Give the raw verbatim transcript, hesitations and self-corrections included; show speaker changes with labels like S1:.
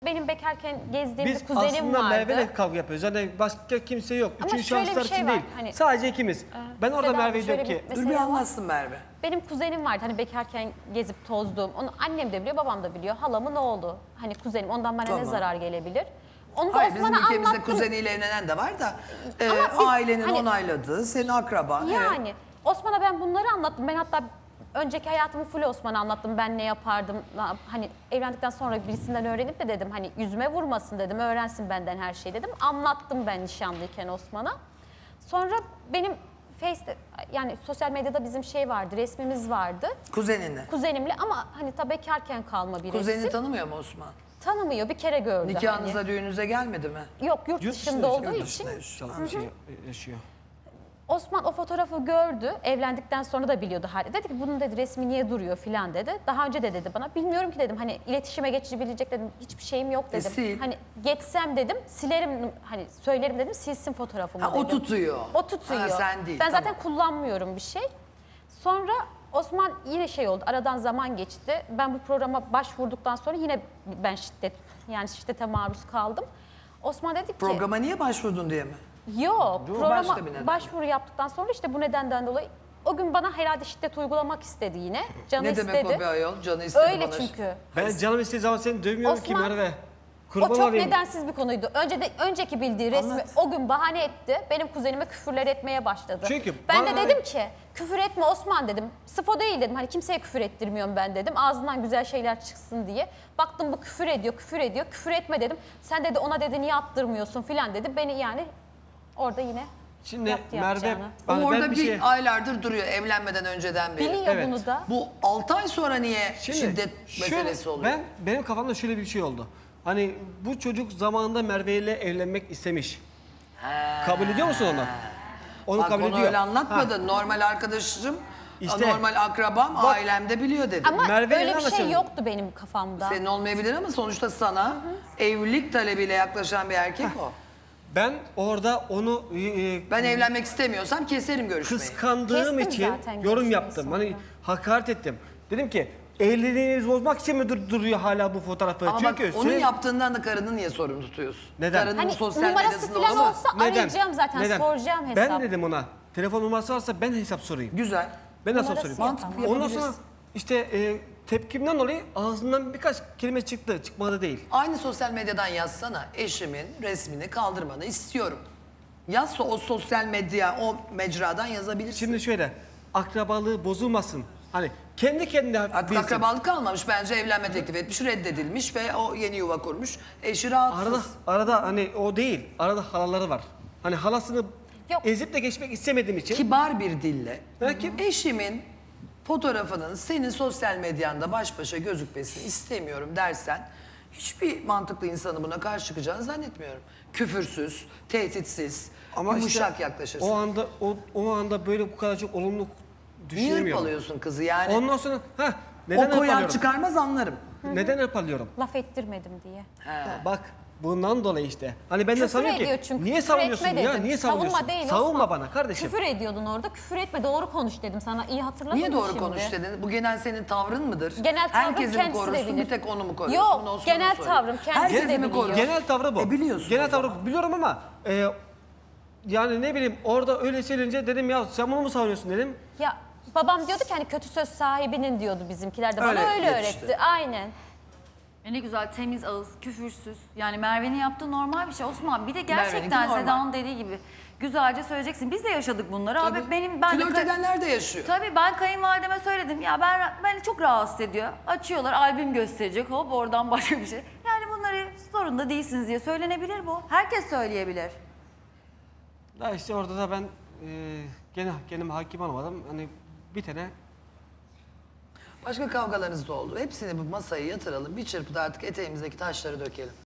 S1: Benim bekarken gezdiğim
S2: Biz
S1: bir kuzenim
S2: aslında
S1: vardı.
S2: Merve'yle kavga yapıyoruz. Yani başka kimse yok.
S1: Ama
S2: Üçüncü
S1: şöyle bir
S2: şahıslar
S1: şey
S2: için
S1: var,
S2: değil.
S1: hani-
S2: Sadece ikimiz.
S1: Ee,
S2: Ben orada
S1: Seda,
S2: Merve'ye
S1: şöyle
S2: diyorum ki...
S1: bir
S3: Dur bir
S1: mesele var.
S3: anlatsın Merve.
S1: Benim kuzenim vardı hani bekarken gezip tozduğum. Onu annem de biliyor, babam da biliyor. Halamın oğlu. Hani kuzenim, ondan bana
S3: Tamam.
S1: ne zarar gelebilir? Onu da
S3: Hayır, bizim
S1: Osman'a
S3: ülkemizde
S1: anlattım.
S3: kuzeniyle evlenen de var da e,
S1: Ama biz
S3: ailenin
S1: hani-
S3: onayladığı, senin akraban. Evet.
S1: Yani Osman'a ben bunları anlattım. Ben hatta önceki hayatımı full Osman'a anlattım. Ben ne yapardım? na- Hani evlendikten sonra birisinden öğrenip de dedim hani yüzüme vurmasın dedim. Öğrensin benden her şeyi dedim. Anlattım ben nişanlıyken Osman'a. Sonra benim Face'te yani sosyal medyada bizim şey vardı, resmimiz vardı.
S3: Kuzeninle.
S1: Kuzenimle ama hani tabii bekarken kalma bir
S3: Kuzenini
S1: resim.
S3: tanımıyor mu Osman?
S1: Tanımıyor, bir kere gördü.
S3: Nikahınıza,
S1: hani.
S3: düğünüze gelmedi mi?
S1: Yok, yurt,
S2: Yurt
S1: dışında
S2: dışında
S1: olduğu
S2: yaşıyor,
S1: için.
S3: Dışında yaşıyor.
S2: Çalışıyor, yaşıyor.
S1: Osman o fotoğrafı gördü. Evlendikten sonra da biliyordu hali. Dedi ki bunun dedi resmi niye duruyor filan dedi. Daha önce de dedi bana. Bilmiyorum ki dedim. Hani iletişime geçebilecek dedim. Hiçbir şeyim yok dedim.
S3: E, sil.
S1: Hani geçsem dedim. Silerim hani söylerim dedim. Silsin fotoğrafımı
S3: Ha,
S1: dedim.
S3: o tutuyor.
S1: O tutuyor.
S3: Ha, sen değil,
S1: Ben
S3: tamam.
S1: zaten kullanmıyorum bir şey. Sonra Osman yine şey oldu. Aradan zaman geçti. Ben bu programa başvurduktan sonra yine ben şiddet yani şiddete maruz kaldım. Osman dedi ki
S3: Programa niye başvurdun diye mi?
S1: Yok,
S3: Dur,
S1: programa
S3: başka bir neden.
S1: başvuru yaptıktan sonra işte bu nedenden dolayı o gün bana herhalde şiddet uygulamak istedi yine. Canı
S3: Ne
S1: istedi.
S3: demek o bir ayol? Canı istedi
S1: Öyle
S3: bana.
S1: çünkü.
S2: Ben canım istediği zaman seni dövmüyorum ki
S1: Osman-
S2: Merve.
S1: O
S2: Kurban
S1: çok
S2: olayım.
S1: nedensiz bir konuydu. Önce de önceki bildiği resmi
S3: Anlat.
S1: o gün bahane etti. Benim kuzenime küfürler etmeye başladı.
S2: Çünkü
S1: ben
S2: bana-
S1: de dedim ki küfür etme Osman dedim. Sıfo değil dedim. Hani kimseye küfür ettirmiyorum ben dedim. Ağzından güzel şeyler çıksın diye. Baktım bu küfür ediyor, küfür ediyor. Küfür etme dedim. Sen dedi ona dedi niye attırmıyorsun filan dedi. Beni yani orada yine
S2: Şimdi
S1: yaptı
S2: Merve,
S1: yapacağını.
S2: hani ben
S3: Orada bir,
S2: şey...
S3: aylardır duruyor evlenmeden önceden beri.
S1: Biliyor
S2: Evet.
S1: bunu da.
S3: Bu altı ay sonra niye
S2: Şimdi
S3: şiddet
S2: şöyle,
S3: meselesi oluyor?
S2: Ben, benim kafamda şöyle bir şey oldu. Hani bu çocuk zamanında Merve ile evlenmek istemiş. Kabul ediyor musun onu? Onu
S3: Bak
S2: kabul
S3: onu
S2: ediyor.
S3: öyle anlatmadın.
S2: Ha.
S3: Normal arkadaşım,
S2: İşte.
S3: normal akrabam,
S2: Bak.
S3: ailemde biliyor dedi.
S1: Ama
S2: Merve'yle
S1: öyle bir şey
S2: anlaşalım.
S1: yoktu benim kafamda.
S3: Senin olmayabilir ama sonuçta sana evlilik talebiyle yaklaşan bir erkek o.
S2: Ben orada onu e, e,
S3: Ben evlenmek istemiyorsam keserim görüşmeyi.
S2: kıskandığım
S1: Kestim
S2: için
S1: zaten
S2: yorum
S1: görüşmeyi
S2: yaptım.
S1: sonra.
S2: Hani hakaret ettim. Dedim ki evliliğinizi bozmak için mi dur- duruyor hala bu fotoğrafı?
S3: Ama
S2: Çünkü
S3: bak onun
S2: senin-
S3: yaptığından da karını niye sorumlu tutuyorsun?
S2: Neden?
S3: Karının
S1: Hani
S3: sosyal
S1: numarası
S3: medyasında
S1: falan
S3: olamaz.
S1: olsa arayacağım zaten,
S2: Neden?
S1: soracağım hesap.
S2: Ben dedim ona telefon numarası varsa ben hesap sorayım.
S3: Güzel.
S2: Ben hesap
S1: Numarası
S2: sorayım.
S1: yok
S3: Mantıklı
S2: Ondan
S3: yapabiliriz.
S2: sonra işte e, tepkimden dolayı ağzından birkaç kelime çıktı. Çıkmadı değil.
S3: Aynı sosyal medyadan yazsana eşimin resmini kaldırmanı istiyorum. Yazsa o sosyal medya, o mecradan yazabilirsin.
S2: Şimdi şöyle akrabalığı bozulmasın. Hani kendi kendine
S3: Artık
S2: bilsin.
S3: akrabalık kalmamış. Bence evlenme teklif etmiş, reddedilmiş ve o yeni yuva kurmuş. Eşi rahatsız.
S2: Arada, arada hani o değil. Arada halaları var. Hani halasını
S1: Yok.
S2: ezip de geçmek istemediğim için.
S3: Kibar bir dille.
S2: Belki-
S3: Eşimin fotoğrafının senin sosyal medyanda baş başa gözükmesini istemiyorum dersen hiçbir mantıklı insanı buna karşı çıkacağını zannetmiyorum. Küfürsüz, tehditsiz, yumuşak
S2: işte
S3: yaklaşırsın.
S2: O anda o, o anda böyle bu kadar çok olumlu
S3: Niye
S2: düşünemiyorum.
S3: hırpalıyorsun kızı yani?
S2: Ondan sonra ha neden
S3: o koyan
S2: hırpalıyorum?
S3: çıkarmaz anlarım.
S2: Neden hırpalıyorum?
S1: Laf ettirmedim diye.
S2: Bak bundan dolayı işte. Hani ben de
S1: Küfür
S2: sanıyorum
S1: ediyor
S2: ki
S1: çünkü.
S2: niye
S1: küfür
S2: savunuyorsun
S1: etme
S2: ya?
S1: dedim.
S2: Niye savunuyorsun?
S1: Savunma değil
S2: Savunma
S1: Osman.
S2: bana kardeşim.
S1: Küfür ediyordun orada. Küfür etme doğru konuş dedim sana. İyi hatırladın
S3: Niye
S1: mı
S3: doğru
S1: şimdi?
S3: konuş dedin? Bu genel senin tavrın mıdır?
S1: Genel tavrım
S3: Herkesi mi
S1: kendisi de
S3: korursun,
S1: bilir.
S3: bir tek onu mu koruyorsun?
S1: Yok,
S3: Bunu Osman'a
S1: genel
S3: söyle.
S1: tavrım kendisi
S3: Herkesi
S1: de
S3: mi
S1: biliyor.
S3: koruyorsun?
S2: Genel tavrı bu.
S3: E biliyorsun
S2: Genel
S3: o
S2: tavrı
S3: zaman.
S2: biliyorum ama e, yani ne bileyim orada öyle söylenince dedim ya sen bunu mu savunuyorsun dedim.
S1: Ya babam diyordu ki hani kötü söz sahibinin diyordu bizimkiler de. Bana
S3: Öyle
S1: öyle,
S3: yetişti.
S1: öğretti. Aynen.
S4: E ne güzel temiz ağız, küfürsüz. Yani Merve'nin yaptığı normal bir şey. Osman bir de
S3: Merve'ninki
S4: gerçekten
S3: normal.
S4: Seda'nın dediği gibi güzelce söyleyeceksin. Biz de yaşadık bunları.
S3: Tabii.
S4: Abi benim ben de
S3: Flört
S4: ka-
S3: edenler de yaşıyor.
S4: Tabii ben kayınvalideme söyledim. Ya ben beni çok rahatsız ediyor. Açıyorlar albüm gösterecek. Hop oradan başka bir şey. Yani bunları zorunda değilsiniz diye söylenebilir bu. Herkes söyleyebilir.
S2: Da işte orada da ben e, gene kendime hakim olamadım. Hani bir tane
S3: Başka kavgalarınız da oldu. Hepsini bu masaya yatıralım. Bir çırpıda artık eteğimizdeki taşları dökelim.